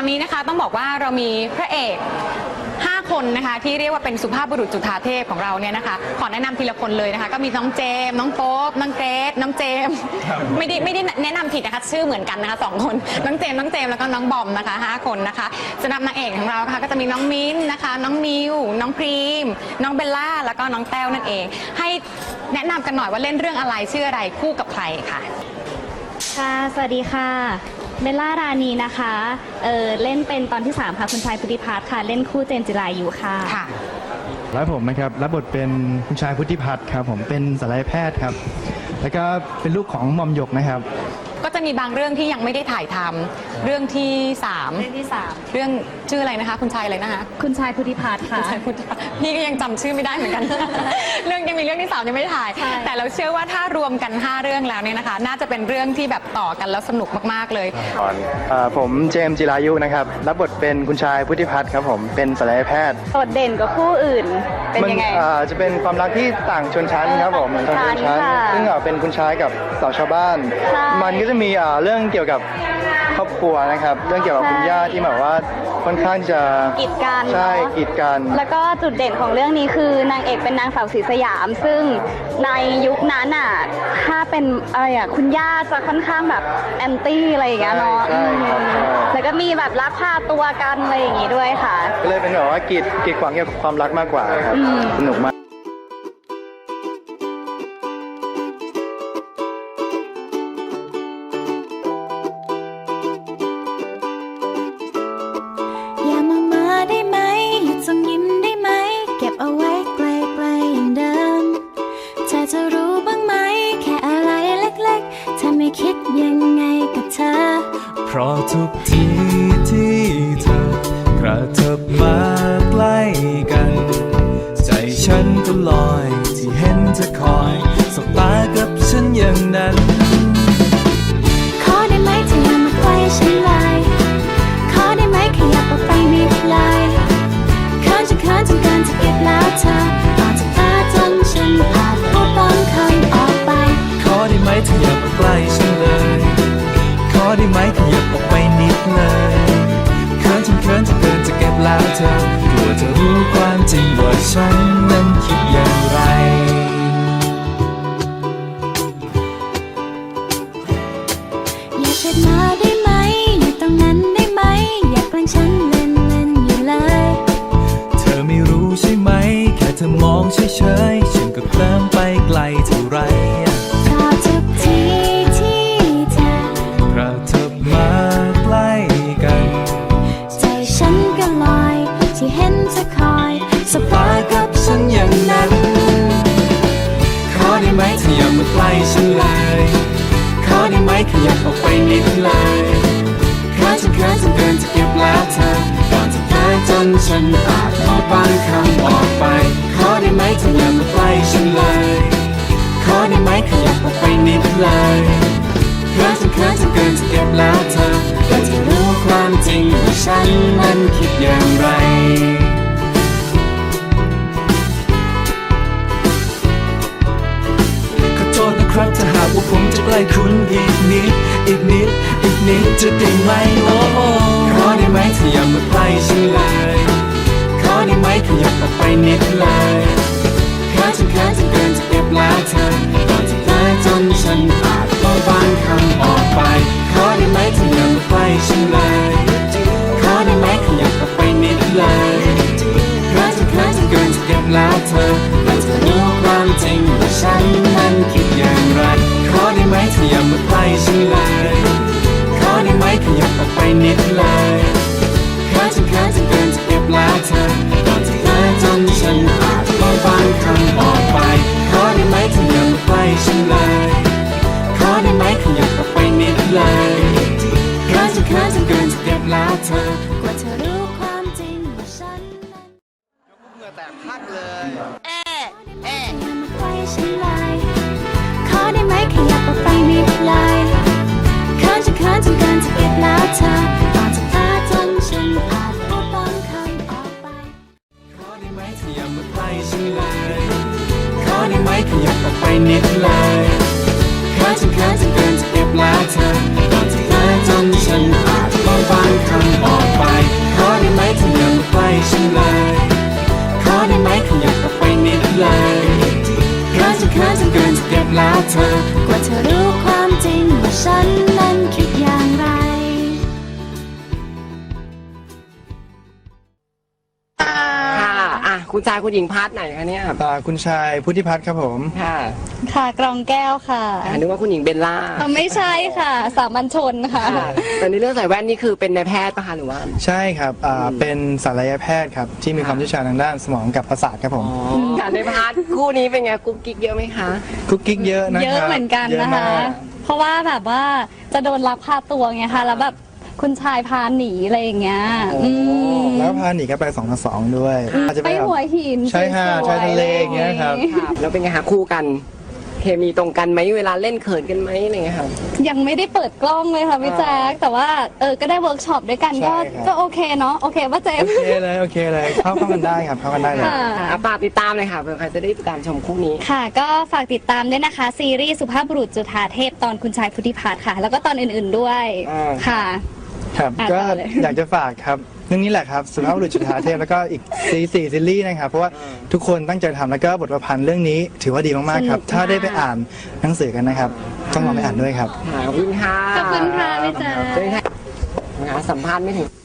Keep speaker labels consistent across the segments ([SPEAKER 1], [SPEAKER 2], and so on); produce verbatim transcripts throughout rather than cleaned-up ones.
[SPEAKER 1] อนนี้นะคะต้องบอกว่าเรามีพระเอกห้าคนนะคะที่เรียกว่าเป็นสุภาพบุรุษจุฑาเทพของเราเนี่ยนะคะขอแนะนำทีละคนเลยนะคะก็มีน้องเจมน้องโป๊ปน้องเกรซน้องเจมไม่ได้ไม่ได้แนะนำผิดนะคะชื่อเหมือนกันนะคะสองคนน้องเจมน้องเจมแล้วก็น้องบอมนะคะห้าคนนะคะสำหรับนางเอกของเราค่ะก็จะมีน้องมิ้นนะคะน้องมิวน้องพรีมน้องเบลล่าแล้วก็น้องแต้วนั่นเองให้แนะนำกันหน่อยว่าเล่นเรื่องอะไรชื่ออะไรคู่กับใครค่ะ
[SPEAKER 2] ค่ะสวัสดีค่ะเบลล่ารานีนะคะเออเล่นเป็นตอนที่สามค่ะคุณชายพุทธิพัฒน์ค่ะเล่นคู่เจนจิรายุค่ะ
[SPEAKER 1] ค่ะ
[SPEAKER 3] แล้วผมนะครับรับบทเป็นคุณชายพุทธิพัฒน์ครับผมเป็นศัลยแพทย์ครับแล้วก็เป็นลูกของหม่อมหยกนะครับ
[SPEAKER 1] ก็จะมีบางเรื่องที่ยังไม่ได้ถ่ายทำเรื่องที่สาม
[SPEAKER 2] เรื่องที่สาม
[SPEAKER 1] เรื่องชื่ออะไรนะคะคุณชายอะไรนะคะ
[SPEAKER 2] คุณชายพุทธิพัฒน์ค่ะ
[SPEAKER 1] พี่ก็ยังจำชื่อไม่ได้เหมือนกัน เรื่องยังมีเรื่องที่สามยังไม่ได้ถ่ายแต่เราเชื่อว่าถ้ารวมกันห้าเรื่องแล้วเนี่ยนะคะน่าจะเป็นเรื่องที่แบบต่อกันแล้วสนุกมากๆเลย
[SPEAKER 3] ผมเจมส์จิรายุนะครับรับบทเป็นคุณชายพุทธิพัฒน์ครับผมเป็นศัลยแพทย์
[SPEAKER 2] โดดเด่นกว่าคู่อื่นเป็นยังไง
[SPEAKER 3] จะเป็นความรักที่ต่างชนชั้นครับผมต่างชนชั้นซึ่งเป็นคุณชายกับสาวชาวบ้านมันก็จะมีเรื่องเกี่ยวกับครอบครัวนะครับเรื่องเกี่ยวกับคุณย่าที่แบบว่าค่อนข้างจะ
[SPEAKER 2] กีดกัน
[SPEAKER 3] ใช่กีดกัน
[SPEAKER 2] แล้วก็จุดเด่นของเรื่องนี้คือนางเอกเป็นนางสาวศรีสยามซึ่งในยุคนั้นอ่ะถ้าเป็นอะไรอ่ะคุณย่าจะค่อนข้างแบบแอนตี้อะไรอย่างเงี้ยเนาะแล้วก็มีแบบลักพาตัวกันอะไรอย่างงี้ด้วยค่ะ
[SPEAKER 3] ก็เลยเป็นแบบว่ากีดกีดขวางเกี่ยวกับความรักมากกว่าครับสนุกมาก
[SPEAKER 4] จะรู้บ้างไหมแค่อะไรเล็กๆถ้าไม่คิดยังไงกับเธอ
[SPEAKER 5] เพราะทุกทีที่เธอกระเถิบมาใกล้กันใจฉันก็ลอยที่เห็นเธอคอยสบตากับฉันอย่างนั้น
[SPEAKER 4] ขอได้ไหมเธออย่ามาใกล้ฉันเลยขอได้ไหมขยับออกไปนิดเลยเขินจนเขินจนเกินจะเก็บแล้วเธอก่อนจะเธอจนฉันอาจพูดบางคำออกไป
[SPEAKER 5] ขอได้ไหมเธออย่ามาใกล้ฉันเลยขอได้ไหมขยับออกไปนิดเลยเขินจนเขินจนเกินจะเก็บแล้วเธอกลัวเธอรู้ความจริงว่าฉันนั้นคิดอย่างไร
[SPEAKER 4] อย่าเช็ดมาได้ไหมอยู่ตรงนั้นได้ไหมอย่าแกล้งฉันเล่นเล่นอยู่เลย
[SPEAKER 5] เธอไม่รู้ใช่ไหมแค่เธอมองเฉยๆฉันก็เคลิ้มไปไกลเท่าไร
[SPEAKER 4] ชอบทุกทีที่เธอก
[SPEAKER 5] ระเถิบมาใกล้กัน
[SPEAKER 4] ใจฉันก็ลอยที่เห็นเธอคอย
[SPEAKER 5] สบตากับฉันอย่างนั้นขอได้ไหมเธออย่ามาใกล้ฉันเลยขอได้ไหมขยับออกไปนิดเลยเขินจนเขินจนเกินจะเก็บแล้วเธอก่อนจะเธอจนฉันอาจพูดบางคำออกไปขอได้ไหมเธออย่ามาใกล้ฉันเลยขอได้ไหมขยับออกไปนิดเลยเขินจนเขินจนเกินจะเก็บแล้วเธอก็จะรู้ความจริงว่าฉันนั้นคิดอย่างไรขอโทษนะครับถ้าหากว่าผมจะใกล้คุณอีกนิดอีกนิดอีกนิดจะได้ไหมโอ้ขอได้ไหมเธออย่ามาใกล้ฉันเลยขอได้ไหมขยับออกไปนิดเลยเขินจนเขินจนเกินจะเก็บแล้วเธอก่อนจะเธอจนฉันอาจพูดบางคำออกไปขอได้ไหมเธออย่ามาใกล้ฉันเลยขอได้ไหมขยับออกไปนิดเลยเขินจนเขินจนเกินจะเก็บแล้วเธอเราจะรู้ความจริงว่าฉันนั้นคิดอย่างไรขอได้ไหมเธออย่ามาใกล้ฉันเลยขอได้ไหมขยับออกไปนิดเลยเขินจนเขินจนเกินจะเก็บแล้วเธอก่อนจะเธอจนฉันอาจพูดบางคำออกไปขอได้ไหมเธออย่ามาใกล้ฉันเลยขอได้ไหมขยับออกไปนิดเลยเขินจนเขินจนเกินจะเก็บแล้วเธอก
[SPEAKER 4] ว่าเธอรู้ความจริงว่าฉันนั้น
[SPEAKER 3] เหงื่อแตกพักเลย
[SPEAKER 4] เอ๊ะเอ๊ะอย่ามาใกล้ฉันเลยขอได้ไหมขยับออกไปนิดเลยเขินจนเขินจนเกินจะเก็บแล้วเธอก่อนจะเธอจนฉันอาจพูดบางคำออกไป
[SPEAKER 5] ขอได้ไหมเธออย่ามาใกล้ฉันเลยขอได้ไหมขยับออกไปนิดเลยเขินจนเขินจนเกินจะเก็บแล้วเธอก่อนจะเธอจนฉันอาจพูดบางคำออกไป
[SPEAKER 6] คุณชายคุณหญิงพาร์ทไหนคะเนี่ย
[SPEAKER 3] อ่าคุณชายพุทธิพัฒน์ครับผม
[SPEAKER 6] ค่ะ
[SPEAKER 2] ค่ะกรองแก้วค่ะ
[SPEAKER 6] อ่านึกว่าคุณหญิงเบลล่า
[SPEAKER 2] อ๋อไม่ใช่ค่ะ สามัญชนค่ะ
[SPEAKER 6] ค่ะแต่ในเรื่องใส่แว่นนี่คือเป็นนายแพทย์ปะคะหรือว่า
[SPEAKER 3] ใช่ครับอ่าเป็นศัลยแพทย์ครับที่มีความเชี่ยวชาญทางด้านสมองกับประสาทครับผม
[SPEAKER 6] ค่ะในพาร์ทคู่นี้เป็นไงกุ๊กกิ๊กเยอะไหมคะ
[SPEAKER 3] คุกกิ๊กเยอะนะครับ
[SPEAKER 2] เยอะเหมือนกัน
[SPEAKER 3] เยอะ
[SPEAKER 2] นะคะ
[SPEAKER 3] มาก
[SPEAKER 2] เพราะว่าแบบว่าจะโดนลักพาตัวไงคะแล้วแบบคุณชายพาหนีอะไรอย่างเงี้ยอืม
[SPEAKER 3] แล้วพาหนีก็ไปสองต่อสองด้วยอาจจะ
[SPEAKER 2] ไป
[SPEAKER 3] แบบ
[SPEAKER 2] หัวหิน
[SPEAKER 3] ใช่ค่ะ
[SPEAKER 2] สวยๆ
[SPEAKER 3] ชายทะเลอย่างเงี้ยครับ
[SPEAKER 6] ค่ะแล้วเป็นไงคะคู่กัน เคมีตรงกันไหมเวลาเล่นเขินกันไหมอะไรเงี้ยค่ะ
[SPEAKER 2] ยังไม่ได้เปิดกล้องเลยค่ะพี่แจ๊คแต่ว่าเออก็ได้เวิร์กช็อปด้วยกันก็
[SPEAKER 3] ใช่ครับ
[SPEAKER 2] ก็โอเคเนาะโอเคป่ะเจม
[SPEAKER 3] โอ
[SPEAKER 2] ส์
[SPEAKER 3] เคเลยโอเคเลยเข้าเข้ากันได้ครับเข้ากันได้เลย
[SPEAKER 2] ค่ะ
[SPEAKER 6] อ่ะฝากติดตามเลยค่ะเผื่อใครจะได้ติดตามชมคู่นี้
[SPEAKER 2] ค่ะก็ฝากติดตามด้วยนะคะ ซีรีส์สุภาพบุรุษจุฑาเทพตอนคุณชายพุทธิพัฒน์ค่ะ แล้วก็ตอนอื่นๆด้วย
[SPEAKER 6] อ่า
[SPEAKER 2] ค่ะ
[SPEAKER 3] ครับ
[SPEAKER 2] อ่ะ
[SPEAKER 3] ก็
[SPEAKER 2] ต่อเลย
[SPEAKER 3] อยากจะฝากครับเรื่องนี้แหละครับสุภาพบุรุษจุฑาเทพแล้วก็อีกซีสี่ซีรีส์นะครับเพราะว่าทุกคนตั้งใจทำแล้วก็บทประพันธ์เรื่องนี้ถือว่าดีมากๆครับ ถ้าได้ไปอ่านหนังสือกันนะครับ ต้องลองไปอ่านด้วยครับ
[SPEAKER 6] ค่ะขอบคุณค่ะ
[SPEAKER 2] ขอบคุณค่ะพี่แจ๊ค
[SPEAKER 6] เชิญค่ะนะคะสัมภาษณ์ไม่ถึง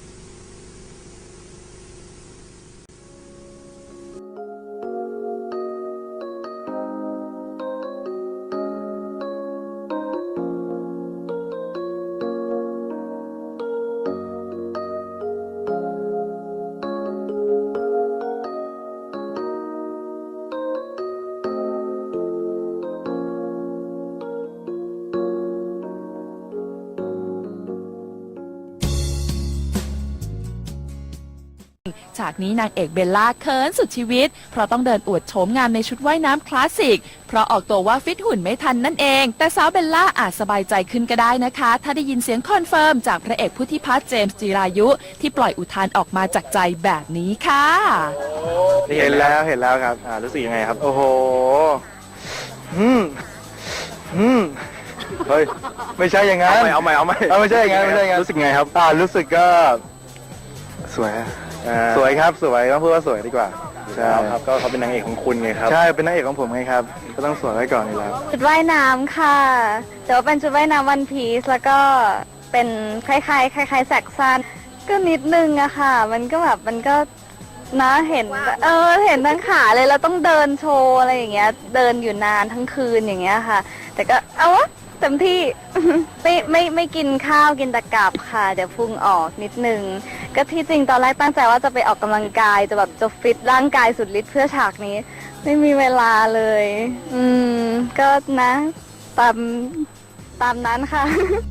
[SPEAKER 7] ฉากนี้นางเอกเบลล่าเขินสุดชีวิต เพราะต้องเดินอวดโฉมงามในชุดว่ายน้ำคลาสสิก เพราะออกตัวว่าฟิตหุ่นไม่ทันนั่นเอง แต่สาวเบลล่าอาจสบายใจขึ้นก็ได้นะคะ ถ้าได้ยินเสียงคอนเฟิร์มจากพระเอกพุทธิพัฒน์เจมส์จิรายุ ที่ปล่อยอุทานออกมาจากใจแบบนี้ค่ะ
[SPEAKER 3] เห็นแล้วเห็นแล้วครับอ่ารู้สึกยังไงครับ โอ้โหอืมอืมเฮ้ยไม่ใช่อย่างนั้นเอาใหม่เอาใหม่เอาไม่ใช่อย่างนั้นไม่ใช่อย่างนั้นรู้สึกไงครับอ่ารู้สึกก็สวยอะสวยครับสวยต้องพูดว่าสวยดีกว่าใช่ครับก็เขาเป็นนางเอกของคุณไงครับใช่เป็นนางเอกของผมไงครับก็ต้องสวยไว้ก่อนนี่แล้ว
[SPEAKER 2] ชุดว่ายน้ำค่ะ แต่ว่าเป็นชุดว่ายน้ำวันพีซแล้วก็เป็นคล้ายๆคล้ายๆแสกสั้นก็นิดนึงอะค่ะ มันก็แบบมันก็นะเห็นเออเห็นทั้งขาเลยเราต้องเดินโชว์อะไรอย่างเงี้ยเดินอยู่นานทั้งคืนอย่างเงี้ยค่ะ แต่ก็เอาวะเต็มที่ ไม่ไม่ไม่กินข้าวกินแต่กลับค่ะ เดี๋ยวพุงออกนิดนึง ก็ที่จริงตอนแรกตั้งใจว่าจะไปออกกำลังกายจะแบบจะฟิตร่างกายสุดฤทธิ์เพื่อฉากนี้ ไม่มีเวลาเลย อืม ก็นะ ตามตามนั้นค่ะ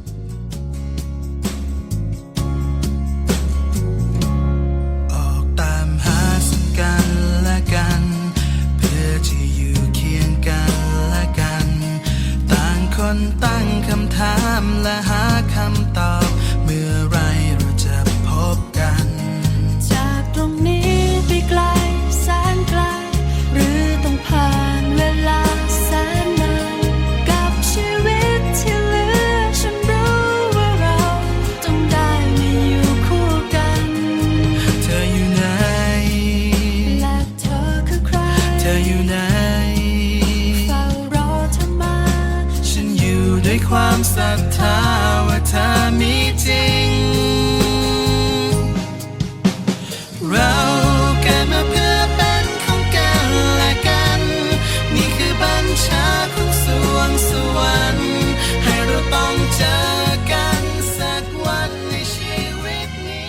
[SPEAKER 5] ออกตามหาซึ่งกันและกัน เพื่อจะอยู่เคียงกันและกัน ต่างคนตั้งคำถามและหาคำตอบ เมื่อไรเราจะพบกัน
[SPEAKER 4] จากตรงนี้ไปไกลแสนไกล หรือต้องผ่านเวลาแสนนานกับชีวิตที่เหลือฉันรู้ว่าเราต้องได้มาอยู่คู่กัน
[SPEAKER 5] เธออยู่ไหน
[SPEAKER 4] และเธอคือใคร
[SPEAKER 5] เธออยู่ไหน
[SPEAKER 4] เฝ้ารอเธอมา
[SPEAKER 5] ฉันอยู่ด้วยความศรัทธาว่าเธอมีจริง เราเกิดมาเพื่อเป็นของกันและกัน นี่คือบัญชาของสวงสวรรค์ให้เราต้องเจอกันสักวันในชีวิตนี้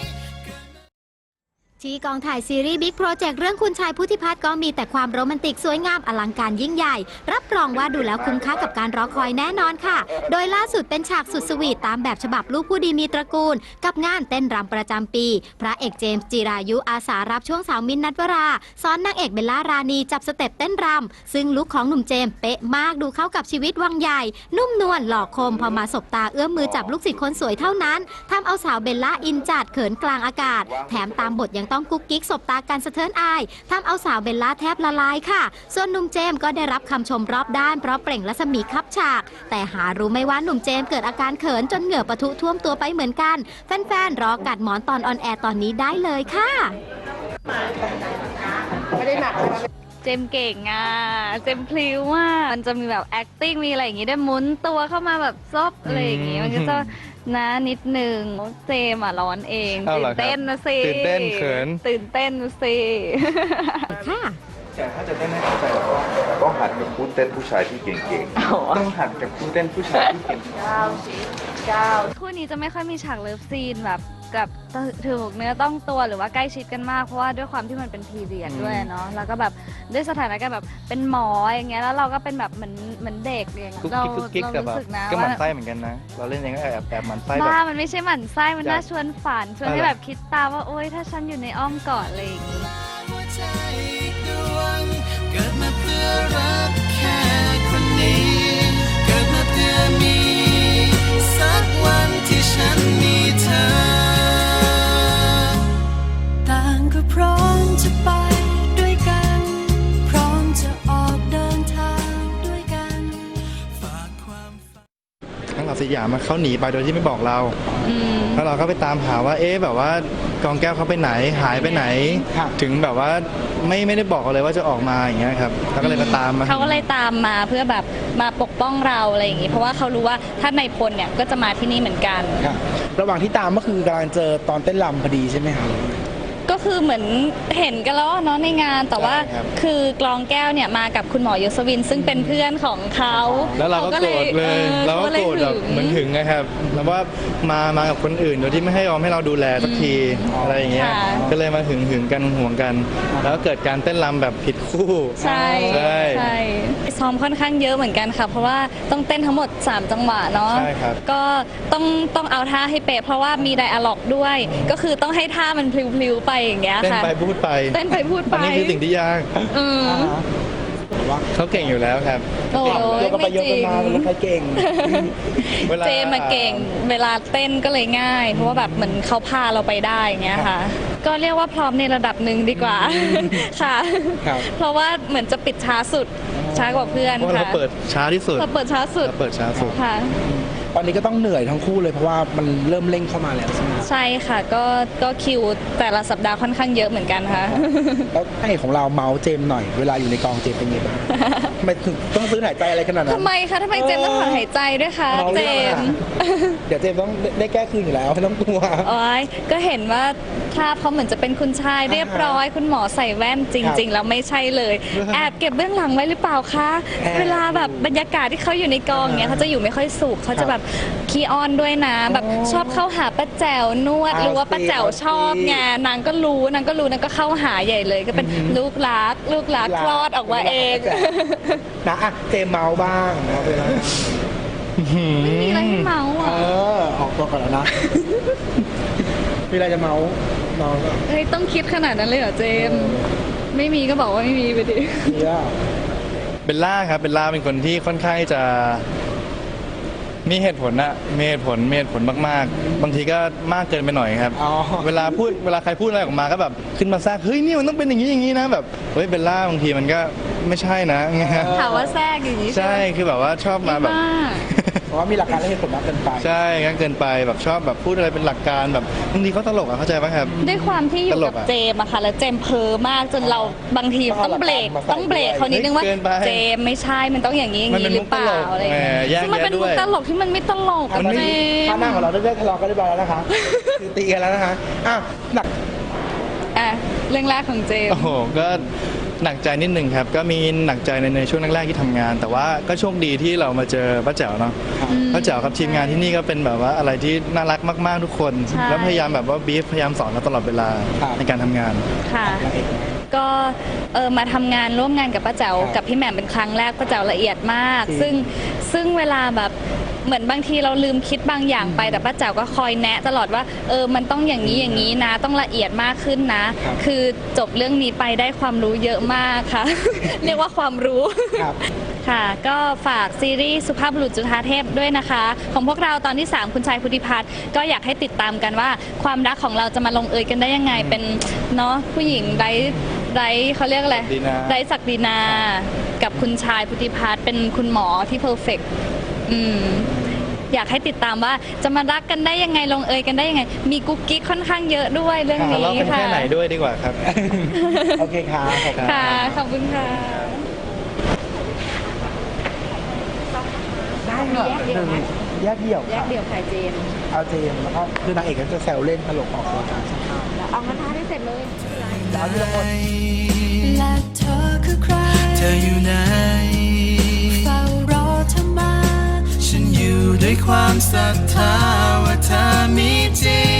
[SPEAKER 8] ที่กองถ่ายซีรีส์บิ๊กโปรเจกต์เรื่องคุณชายพุทธิพัฒน์ก็มีแต่ความโรแมนติกสวยงามอลังการยิ่งใหญ่ รับรองว่าดูแล้วคุ้มค่ากับการรอคอยแน่นอนค่ะ โดยล่าสุดเป็นฉากสุดสวีทตามแบบฉบับลูกผู้ดีมีตระกูล กับงานเต้นรำประจำปี พระเอกเจมส์จิรายุอาสารับช่วงสาวมินท์นัทวราสอนนางเอกเบลล่ารานีจับสเต็ปเต้นรำซึ่งลุคของหนุ่มเจมส์เป๊ะมากดูเข้ากับชีวิตวังใหญ่ นุ่มนวลหล่อคมพอมาสบตาเอื้อมมือจับลูกศิษย์คนสวยเท่านั้นทำเอาสาวเบลล่าอินจัดเขินกลางอากาศ แถมตามบทยังต้องกุ๊กกิ๊กสบตากันสะเทือนอายทำเอาสาวเบลล่าแทบละลายค่ะ ส่วนหนุ่มเจมส์ก็ได้รับคำชมรอบด้านเพราะเปล่งรัศมีคับฉาก แต่หารู้ไหม่ว่าหนุ่มเจมส์เกิดอาการเขินจนเหงื่อปะทุท่วมตัวไปเหมือนกัน แฟนๆรอกัดหมอนตอนออนแอร์ตอนนี้ได้เลยค่ะ
[SPEAKER 2] จมส์เก่งอ่ะเจมส์พลิ้วอ่ะมันจะมีแบบ acting มีอะไรอย่างงี้ได้วยหมุนตัวเข้ามาแบบซบอะไรอย่างงี้มันก็จะนะนิดนึงเจมส์อ่ะร้อนเอง
[SPEAKER 3] เอา
[SPEAKER 2] ตื่
[SPEAKER 3] เหร
[SPEAKER 2] น
[SPEAKER 3] อครับ
[SPEAKER 2] เต้นนะสิ
[SPEAKER 3] ตื่นเต้นเขิน
[SPEAKER 2] ตื่นเต้นนะสิ
[SPEAKER 8] ค่ะ
[SPEAKER 3] แต่ถ้าจะเต้นให้เข้าใจ
[SPEAKER 9] ต้องหัดกับคู่เต้นผู้ชายที่เก่ง
[SPEAKER 3] ต้องหัดกับคู่เต้นผู้ชายที่เก่ง
[SPEAKER 2] คู่นี้จะไม่ค่อยมีฉากเลิฟซีนแบบกับถือเนื้อต้องตัวหรือว่าใกล้ชิดกันมากเพราะว่าด้วยความที่มันเป็นพีเรียดด้วยเนาะแล้วก็แบบด้วยสถานการณ์แบบเป็นหมออย่างเงี้ยแล้วเราก็เป็นแบบเหมือนเหมือนเด็กอย่างเงี้ย
[SPEAKER 3] กุ๊ก
[SPEAKER 2] เรา
[SPEAKER 3] กิ๊กกุ๊กกิ๊ก
[SPEAKER 2] เรา
[SPEAKER 3] กับแบ
[SPEAKER 2] รู้
[SPEAKER 3] บ
[SPEAKER 2] สึกนะ
[SPEAKER 3] ก็หมั่
[SPEAKER 2] ว่าน
[SPEAKER 3] ไส้เหมือนกันนะ เราเล่นเองก็แอบแอบหมั่นไส้แบบ
[SPEAKER 2] บ้ามันไม่ใช่หมั่นไส้มันน่าชวนฝันชวนให้
[SPEAKER 3] อะไร
[SPEAKER 2] แบบคิดตามว่าโอ๊ยถ้าฉันอยู่ในอ้อมกอดอะไรอย่างงี้
[SPEAKER 5] หัวใจอีกดวงเกิดมาเพื่อรักแค่คนนี้ เกิดมาเพื่อมี สักวันที่ฉันมีเธอ ต่างก็พร้อมจะไปด้วยกัน พร้อมจะออกเดินทางด้วยกันฝากความฝัน
[SPEAKER 3] ทั้งเหล่าสยามมาเขาหนีไปโดยที่ไม่บอกเราแล้วเราก็ไปตามหาว่าเอ๊ะแบบว่ากองแก้วเขาไปไหนหายไปไหน ถึงแบบว่าไม่ไม่ได้บอกเราเลยว่าจะออกมาอย่างเงี้ยครับเราก็เลยมาตามมา
[SPEAKER 2] เขาก็เลยตามมาเพื่อแบบมาปกป้องเราอะไรอย่างงี้เพราะว่าเขารู้ว่าถ้าในพลเนี่ยก็จะมาที่นี่เหมือนกัน
[SPEAKER 10] ครับระหว่างที่ตามก็คือกำลังเจอตอนเต้นรำพอดีใช่ไหมครับ
[SPEAKER 2] ก็คือเหมือนเห็นกันแล้วเนาะในงานแต่ว่า
[SPEAKER 3] ใช่ครับ
[SPEAKER 2] คือกลองแก้วเนี่ยมากับคุณหมอยศวินซึ่งเป็นเพื่อนของเขา
[SPEAKER 3] แล้วเราก็โกรธเลย
[SPEAKER 2] ออ
[SPEAKER 3] เราก็โกรธแบบ
[SPEAKER 2] ขา
[SPEAKER 3] เหมือนหึงนะครับแล้วว่ามามากับคนอื่นโดยที่ไม่ให้ยอมให้เราดูแลสักทีอะไรอย่างเงี้ย
[SPEAKER 2] ค่ะ
[SPEAKER 3] ก็เลยมาหึงหึงกันห่วงกัน แล้วก็เกิดการเต้นรำแบบผิดคู่
[SPEAKER 2] ใช่
[SPEAKER 3] ใช่
[SPEAKER 2] ใช่ซ้อมค่อนข้างเยอะเหมือนกันค่ะ เพราะว่าต้องเต้นทั้งหมดสามจังหวะเนาะ
[SPEAKER 3] ใช่ครับ
[SPEAKER 2] ก็ต้องต้องเอาท่าให้เป๊ะเพราะว่ามีไดอะล็อกด้วย ก็คือต้องให้ท่ามันพลิ้วๆไปอย่างเงี้ย
[SPEAKER 3] เต้น
[SPEAKER 2] ค่ะ
[SPEAKER 3] ไปพูดไป
[SPEAKER 2] เต้นไปพูดไป
[SPEAKER 3] อันนี้คือสิ่งที่ยาก
[SPEAKER 2] อืม
[SPEAKER 3] เขาเก่งอยู่แล้วครับ
[SPEAKER 2] โอ้
[SPEAKER 10] เย
[SPEAKER 2] ย
[SPEAKER 10] อะกันไป
[SPEAKER 2] ไม่
[SPEAKER 10] เยอะ
[SPEAKER 2] จริ
[SPEAKER 10] กัน
[SPEAKER 2] ง
[SPEAKER 10] มาแล้วใครเก่ง
[SPEAKER 3] เวลา
[SPEAKER 2] เจมมาเก่งเวลาเต้นก็เลยง่าย เพราะว่าแบบเหมือนเขาพาเราไปได้อย่างเงี้ยค่ะ ก็เรียกว่าพร้อมในระดับหนึ่งดีกว่า ค่ะ
[SPEAKER 10] ครับ
[SPEAKER 2] เพราะว่าเหมือนจะปิดช้าสุดช้ากว่าเพื่อน
[SPEAKER 3] เพราะว่า
[SPEAKER 2] ค่ะ
[SPEAKER 3] เราเปิดช้าที่สุด
[SPEAKER 2] เราเปิดช้าสุด
[SPEAKER 3] เราเปิดช้าสุด
[SPEAKER 2] ค่ะ
[SPEAKER 10] ตอนนี้ก็ต้องเหนื่อยทั้งคู่เลยเพราะว่ามันเริ่มเร่งเข้ามาแล้วใช่ไหม
[SPEAKER 2] ใช่ค่ะก็ก็คิวแต่ละสัปดาห์ค่อนข้างเยอะเหมือนกันค่ะ
[SPEAKER 10] แล้วให้ของเราเมาส์เจมส์หน่อยเวลาอยู่ในกองเจมส์เป็นไงบ้างทำไมถึงต้องซื้อหายใจอะไรขนาดนั้น
[SPEAKER 2] ทำไมคะทำไมเจมส์ต้องถอนหายใจด้วยคะ
[SPEAKER 10] เมา
[SPEAKER 2] เจ
[SPEAKER 10] รื่องอะไร
[SPEAKER 2] มส์
[SPEAKER 10] เดี๋ยวเจมส์ต้องได้แก้คืนอยู่แล้วไม่ต้องกลัว
[SPEAKER 2] โอ้ยก็เห็นว่าภาพเขาเหมือนจะเป็นคุณชายเรียบร้อย คุณหมอใส่แว่นจริง ๆ แล้วไม่ใช่เลย แอบเก็บเบื้องหลังไว้หรือเปล่าคะ
[SPEAKER 10] แอบ
[SPEAKER 2] เวลาแบบบรรยากาศที่เขาอยู่ในกองเนี้ยเขาจะอยู่ไม่ค่อยสุขเขาจะแบบขี้อ้อนด้วยนะแบบชอบเข้าหาป้าแจ๋วนวด
[SPEAKER 10] เอา
[SPEAKER 2] รู้ว่าป้าแจ๋ว
[SPEAKER 10] สิ
[SPEAKER 2] ชอบไงนางก็รู้นางก็รู้นางก็เข้าหาใหญ่เลย ก็เป็นลูกรักลูกรักคลอดออกมาเอง
[SPEAKER 10] นะอ่ะเจมส์เมาส์บ้างเอาไปแล้ว
[SPEAKER 2] ไม่มีอะไรให้เมาส์
[SPEAKER 10] เอ
[SPEAKER 2] อ่ะ
[SPEAKER 10] อออกตัวก่อนแล้วนะ มีอะไรจะเมาส์เมาส์ก็
[SPEAKER 2] เฮ้ยต้องคิดขนาดนั้นเลยเหรอเจมส์ไม่มีก็บอกว่าไม่มีไปดิ
[SPEAKER 10] มีอ่ะ
[SPEAKER 3] เบลล่าครับเบลล่าเป็นคนที่ค่อนข้างจะมีเหตุผลอะมีเหตุผลมีเหตุผลมากๆ บางทีก็มากเกินไปหน่อยครับ
[SPEAKER 10] อ๋อ
[SPEAKER 3] เวลาพูดเวลาใครพูดอะไรออกมาก็แบบขึ้นมาแทรกเฮ้ยนี่มันต้องเป็นอย่างนี้อย่างนี้นะแบบเฮ้ยเบลล่าบางทีมันก็ไม่ใช่นะเงี้ย
[SPEAKER 2] ถามว่าแทรกอย่างนี้
[SPEAKER 3] ใช่คือแบบว่าชอบมาแบบ
[SPEAKER 2] มาก
[SPEAKER 10] เพราะว่ามีหลักการและเหตุผลมากเกินไป
[SPEAKER 3] ใช่งั้นเกินไปแบบชอบแบบพูดอะไรเป็นหลักการแบบบางทีเขาตลกอะเข้าใจป่ะครับ
[SPEAKER 2] ด้วยความที่อยู่
[SPEAKER 3] ตล
[SPEAKER 2] กับ
[SPEAKER 3] กอะ
[SPEAKER 2] เจมอะค่ะแล้วเจมเพ้อมากจนเราบางที
[SPEAKER 10] ต้อง
[SPEAKER 2] ต้องเบรก
[SPEAKER 10] เอาหลักการมาใส่
[SPEAKER 2] ต้องเบรกเขานิดนึงว่า
[SPEAKER 3] เกินไป
[SPEAKER 2] เจมไม่ใช่มันต้องอย่างนี้อย่าง
[SPEAKER 3] มันเป็
[SPEAKER 2] นี้
[SPEAKER 3] น
[SPEAKER 2] หรือเปล่า
[SPEAKER 3] มุกตลก
[SPEAKER 2] อะไรอย่างเงี้ย
[SPEAKER 3] แหมแยก
[SPEAKER 2] ซึ่งมันเป็น
[SPEAKER 3] แยะด้
[SPEAKER 2] มุ
[SPEAKER 3] ว
[SPEAKER 2] ก
[SPEAKER 3] ย
[SPEAKER 2] ตลกที่มันไม่ตลก
[SPEAKER 10] อัน
[SPEAKER 2] อะ
[SPEAKER 10] นี้
[SPEAKER 2] เจ
[SPEAKER 10] ท่ามหน้าของเราได้ทะเลาะกันเรียบร้อยแล้วนะคะคือตีกันแล้วนะคะอ่ะหนัก
[SPEAKER 2] อ่ะเรื่องแรกของเจม
[SPEAKER 3] โอ้โหก็หนักใจนิดหนึ่งครับ ก็มีหนักใจในในช่วงแรกๆที่ทำงาน แต่ว่าก็โชคดีที่เรามาเจอป้าแจ๋วเนาะป้าแจ๋วกับทีมงานที่นี่ก็เป็นแบบว่าอะไรที่น่ารักมากๆทุกคน แล้วพยายามแบบว่าบีฟพยายามสอนเราตลอดเวลาในการทำงาน
[SPEAKER 2] ค่ะ ก็เออมาทำงานร่วมงานกับป้าแจ๋วกับพี่แหม่มเป็นครั้งแรกป้าแจ๋วละเอียดมาก ซึ่งซึ่งเวลาแบบเหมือนบางทีเราลืมคิดบางอย่างไปแต่ป้าแจ๋วก็คอยแนะตลอดว่าเออมันต้องอย่างนี้อย่างนี้นะ ต้องละเอียดมากขึ้นนะ คือจบเรื่องนี้ไปได้ความรู้เยอะมากค่ะ เรียกว่าความรู้
[SPEAKER 10] ครับ
[SPEAKER 2] ค่ะ ก็ฝากซีรีส์สุภาพบุรุษจุฑาเทพด้วยนะคะ ของพวกเราตอนที่ สาม คุณชายพุทธิพัฒน์ก็อยากให้ติดตามกันว่าความรักของเราจะมาลงเอยกันได้ยังไงเป็นเนาะผู้หญิงไร้ไร้เขาเรียกอะไร
[SPEAKER 3] ศักดินา
[SPEAKER 2] ไร้ศักดินา กับคุณชายพุทธิพัฒน์เป็นคุณหมอที่เพอร์เฟกต์อืมอยากให้ติดตามว่าจะมารักกันได้ยังไงลงเอยกันได้ยังไง มีกุ๊กกิ๊กค่อนข้างเยอะด้วยเรื่องนี้
[SPEAKER 3] เราเป็น
[SPEAKER 2] ค่ะ
[SPEAKER 3] แค่ไหนด้วยดีกว่าครับ
[SPEAKER 10] โอเคครับขอบคุณ
[SPEAKER 2] ค่ะขอบคุณค่ะ
[SPEAKER 10] ได้เหรอแยกเดี่ยวแยกเดี่ยวใครเจมเอาเจมแล้วก็คือนางเอกก็จะแซวเล่นตลกออกตัวการช่างภาพ
[SPEAKER 2] เอางั้นท้าได้เสร็จเลย
[SPEAKER 10] เอาทีละคน
[SPEAKER 4] และเธอคือใคร
[SPEAKER 5] เธออยู่ไหน
[SPEAKER 4] เฝ้ารอเธอมา
[SPEAKER 5] ฉันอยู่ด้วยความศรัทธาว่าเธอมีจริง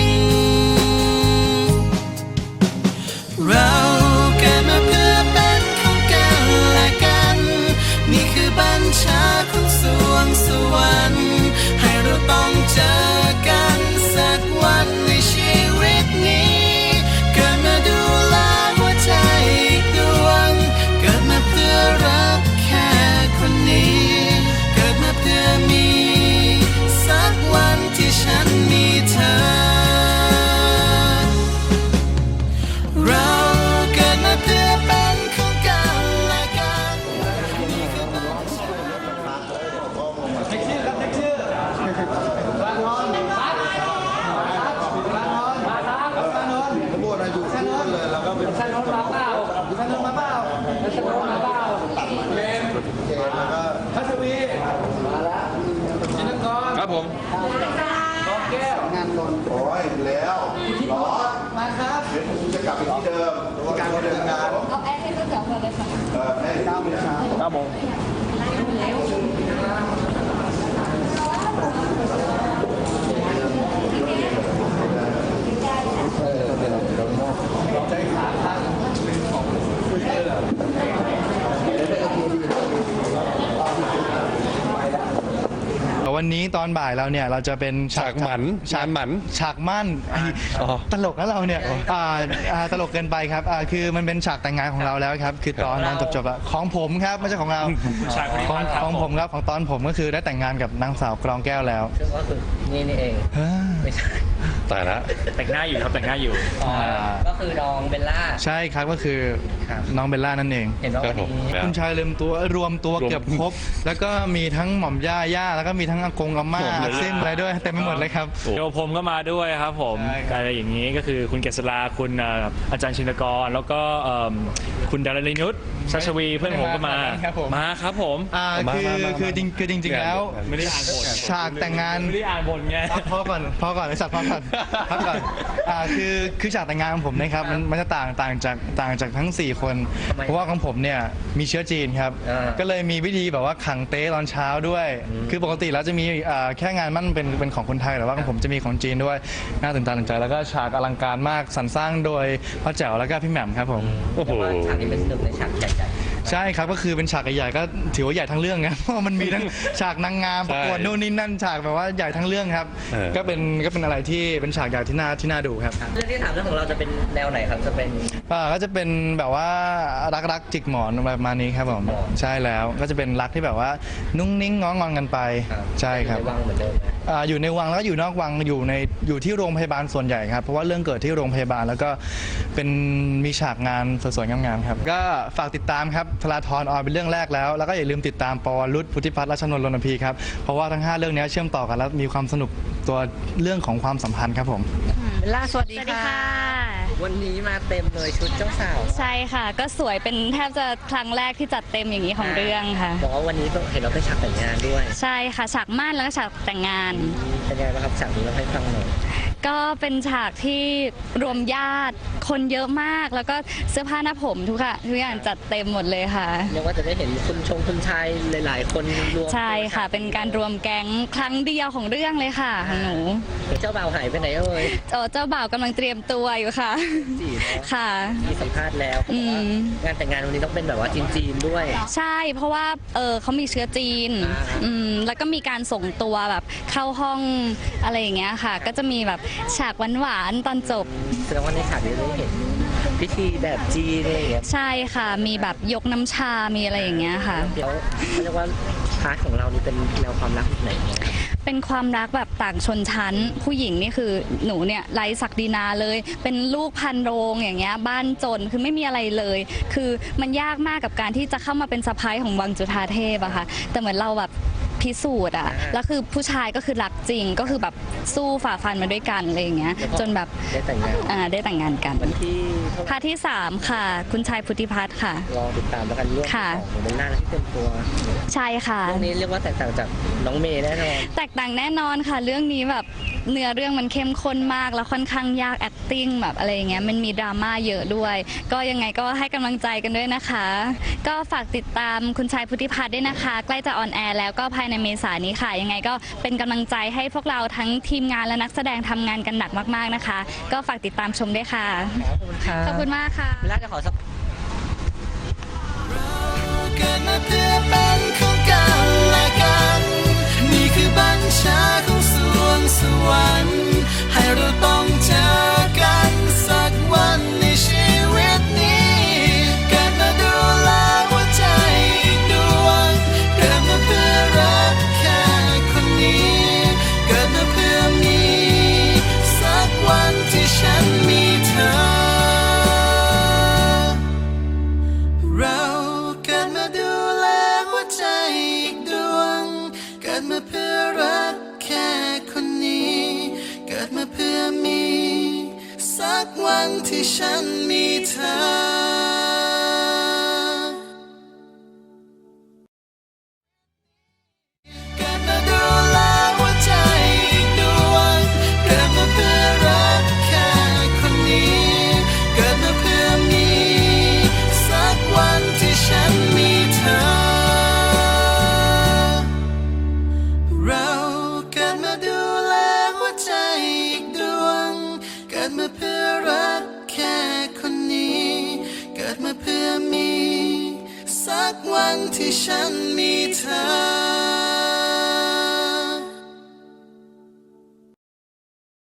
[SPEAKER 5] เราเกิดมาเพื่อเป็นของกันและกัน นี่คือบัญชาของสวงสวรรค์ให้เราต้องเจอกันสักวันในชีวิตนี้ เกิดมาดูแลหัวใจอีกดวง เกิดมาเพื่อรักแค่คนนี้ เกิดมาเพื่อมีสักวันที่ฉันมีเธอ เราเกิดมาเพื่อเป็นของกันและกัน
[SPEAKER 9] ครับผมโอ้ยแล้วร้อนมาครับเดี๋ยวผมจะกลับไปที่เดิมการเดินงานเอาแอร์ให้เพื่อนเดี๋ยวเพื่อนเลยค่ะเออให้เก้าโมงเช้าเก้าโมง
[SPEAKER 3] วันนี้ตอนบ่ายเราเนี่ยเราจะเป็นฉาก
[SPEAKER 9] ฉากหมัน
[SPEAKER 3] ฉาก
[SPEAKER 9] งานหมัน
[SPEAKER 3] ฉากมั่นไอ้
[SPEAKER 9] อ๋อ
[SPEAKER 3] ตลกนะเราเนี่ยอ่าอ่าตลกเกินไปครับอ่าคือมันเป็นฉากแต่งงานของเราแล้วครับคือตอนตอนจบๆอะของผมครับไม่ใช่ของเราของของผมครับของตอนผมก็คือได้แต่งงานกับนางสาวกรองแก้วแล้ว
[SPEAKER 6] ซึ่งก็คือนี่นี่เอง
[SPEAKER 3] เฮ้ย
[SPEAKER 6] ไม่ใช่
[SPEAKER 9] ตายละ
[SPEAKER 11] แต่งหน้าอยู่ครับแต่งหน้าอยู่
[SPEAKER 6] อ๋อก็คือน้องเบลล่า
[SPEAKER 3] ใช่ครับก็คือน้องเบลล่านั่นเอง
[SPEAKER 6] เห็นว่าวันนี้
[SPEAKER 3] คุณชายลืมตัวรวมตัวเกือบครบ แล้วก็มีทั้งหม่อมย่าย่าแล้วก็มีทั้งอากงอาม่าเส้นอะไรด้วยเต็มไปหมดเลยครับ
[SPEAKER 11] โยผมก็มาด้วยครับผม
[SPEAKER 3] ใช่ครับ
[SPEAKER 11] อะไรอย่างนี้ก็คือคุณเกษราคุณเอ่ออาจารย์ชินกร แล้วก็เอิ่มคุณดารินุชชัชวีเพื่อนผมก็มา
[SPEAKER 3] ครับผม
[SPEAKER 11] มาครับผม
[SPEAKER 3] อ่าคือคือจริงคือจริงๆแล้ว
[SPEAKER 11] ไม่ได้อ่านบท
[SPEAKER 3] ฉากแต่งงาน
[SPEAKER 11] ไม่ได้อ่านบทไง
[SPEAKER 3] พอก่อนพอก่อนไอ้สัตว์พอก่อนพักก่อนอ่าคือคือฉากแต่งงานของผมนะครับมันมันจะต่างต่างจากต่างจากทั้งสี่คน เพราะว่าของผมเนี่ยมีเชื้อจีนครับ
[SPEAKER 6] อ่า
[SPEAKER 3] ก็เลยมีวิธีแบบว่าขังเต้ตอนเช้าด้วย คือปกติแล้วจะมีอ่าแค่งานมั่นเป็นเป็นของคนไทยแต่ว่าของผมจะมีของจีนด้วยน่าตื่นตาตื่นใจแล้วก็ฉากอลังการมากสรรสร้างโดยพ่อแจ๋วแล้วก็พี่แหม่มครับผม
[SPEAKER 9] โอ้โห
[SPEAKER 6] แต่ว่าฉากนี้เป็นหนึ่งในฉากใหญ่
[SPEAKER 3] ใช่ครับก็คือเป็นฉากใหญ่ๆก็ถือว่าใหญ่ทั้งเรื่องนะ เพราะว่ามันมีทั้งฉากนางงามประกวด
[SPEAKER 9] ใช่
[SPEAKER 3] นู่นนี่นั่นฉากแบบว่าใหญ่ทั้งเรื่องครับ
[SPEAKER 9] เออ
[SPEAKER 3] ก็เป็นก็เป็นอะไรที่เป็นฉากใหญ่ที่น่าที่น่าดูครับ
[SPEAKER 6] ๆเรื่องที่ถามเรื่องของเราจะเป็นแนวไหนครับจะเป็น
[SPEAKER 3] อ่าก็จะเป็นแบบว่ารักรักจิกหมอนประมาณนี้ครับผมใช่แล้วก็จะเป็นรักที่แบบว่านุ่งนิ่งง้องอนกันไปใช่ครับ
[SPEAKER 6] ในวังเหมือนเดิมนะ
[SPEAKER 3] อ่าอยู่ในวังแล้วก็อยู่นอกวังอยู่ในอยู่ที่โรงพยาบาลส่วนใหญ่ครับเพราะว่าเรื่องเกิดที่โรงพยาบาลแล้วก็เป็นมีฉากงานสวยๆงามๆครับก็ฝากติดตามครับธราธรออนเป็นเรื่องแรกแล้วแล้วก็อย่าลืมติดตามปวรุษพุทธิพัฒน์รัชนนท์รณพีครับเพราะว่าทั้งห้าเรื่องนี้เชื่อมต่อกันแล้วมีความสนุกตัวเรื่องของความสัมพันธ์ครับผม
[SPEAKER 6] เบลล่าสวัสดี
[SPEAKER 2] สวัสดี
[SPEAKER 6] ค่ะ
[SPEAKER 2] ค่ะ
[SPEAKER 6] วันนี้มาเต็มเลยชุดเจ้าสาว
[SPEAKER 2] ใช่ค่ะ ก็สวยเป็นแทบจะครั้งแรกที่จัดเต็มอย่างนี้ของเรื่องค่ะ
[SPEAKER 6] บอกว่าวันนี้เห็นเราไปฉากแต่งงานด้วย
[SPEAKER 2] ใช่ค่ะฉากม่านแล้วก็ฉากแต่งงาน
[SPEAKER 6] เป็นไงบ้างครับฉากนี้เราให้ฟังหน่อย
[SPEAKER 2] ก็เป็นฉากที่รวมญาติคนเยอะมาก แล้วก็เสื้อผ้าหน้าผมทุกค่ะทุกอย่างจัดเต็มหมดเลยค่ะ
[SPEAKER 6] เรียกว่าจะได้เห็นคุณชงคุณชายหลาย ๆ คนรวม
[SPEAKER 2] ใช่ค่ะ เป็นการรวมแก๊งครั้งเดียวของเรื่องเลยค่ะของหนู
[SPEAKER 6] เจ้าบ่าวหายไปไหนเอ่ย
[SPEAKER 2] เอ่อเจ้าบ่าวกำลังเตรียมตัวอยู่ค่ะ
[SPEAKER 6] จีเนาะ
[SPEAKER 2] ค่ะ
[SPEAKER 6] มีสัมภาษณ์แล้ว
[SPEAKER 2] อืม
[SPEAKER 6] งานแต่งงานวันนี้ต้องเป็นแบบว่าจีนๆด้วย
[SPEAKER 2] ใช่เพราะว่าเออเขามีเชื้อจีน
[SPEAKER 6] อ่า
[SPEAKER 2] อืมแล้วก็มีการส่งตัวแบบเข้าห้องอะไรอย่างเงี้ยค่ะ ก็จะมีแบบฉากหวานๆตอนจบ
[SPEAKER 6] แสดงว่าในฉากนี้ได้เห็นพิธีแบบจีนอะไรอย่างเงี้ย
[SPEAKER 2] ใช่ค่ะ มีแบบยกน้ำชา มีอะไรอย่างเงี้ยค่ะ
[SPEAKER 6] เดี๋ยวเขาเรียกว่าพาร์ทของเรานี่เป็นแนวความรักแบบไหนเนี่ยครับ
[SPEAKER 2] เป็นความรักแบบต่างชนชั้น ผู้หญิงนี่คือหนูเนี่ยไร้ศักดินาเลย เป็นลูกพันโรงอย่างเงี้ยบ้านจนคือไม่มีอะไรเลย คือมันยากมากกับการที่จะเข้ามาเป็นสะพ้ายของวังจุฑาเทพอะค่ะแต่เหมือนเราแบบพพิสูจน์อะแล้วคือผู้ชายก็คือรักจริงก็คือแบบสู้ฝ่าฟันมาด้วยกันอะไรอย่างเงี้ยจนแบบได้แต่งงานอ่าได้แต่งงานกันวันที่พาร์ทที่สามค่ะ คุณชายพุทธิพัฒน์ค่ะรอติดตามแล้วกันเรื่องของเป็นหน้าและที่เต็มตัวใช่ค่ะเรื่องนี้เรียกว่าแตกต่างจากน้องเมย์แน่นอนแตกต่างแน่นอนค่ะเรื่องนี้แบบเนื้อเรื่องมันเข้มข้นมากแล้วค่อนข้างยาก acting แบบอะไรอย่างเงี้ยมันมีดราม่าเยอะด้วยก็ยังไงก็ให้กำลังใจกันด้วยนะคะก็ฝากติดตามคุณชายพุทธิพัฒน์ด้วยนะคะใกล้จะออนแอร์แล้วก็ภายในเมษายนนี้ค่ะยังไงก็เป็นกำลังใจให้พวกเราทั้งทีมงานและนักแสดงทำงานกันหนักมากๆนะคะก็ฝากติดตามชมด้วยค่ะขอบคุณมากค่ะเวลาจะขอสัก
[SPEAKER 5] เกิดมาเพื่อเป็นของกันและกันนี่คือบัญชาของสวงสวรรค์ให้เราต้องเจอกันสักวันในชีวิตนี้เกิดมาดูแลหัวใจอีกดวงเกิดมาเพื่อรักแค่คนนี้เกิดมาเพื่อมีสักวันที่ฉันมีเธอเราเกิดมาดูแลหัวใจอีกดวงเกิดมาเพื่อรักแค่คนนี้เกิดมาเพื่อมีสักวันที่ฉันมีเธอเกิดมาดูแลหัวใจอีกดวงเกิดมาเพื่อรักแค่คนนี้เกิดมาเพื่อมีสักวันที่ฉันมีเธอเราเกิดมาดูแลหัวใจอีกดวงเกิดมาเพื่อรักแค่คนนี้เกิดมาเพื่อมีสักวันที่ฉันมีเธอ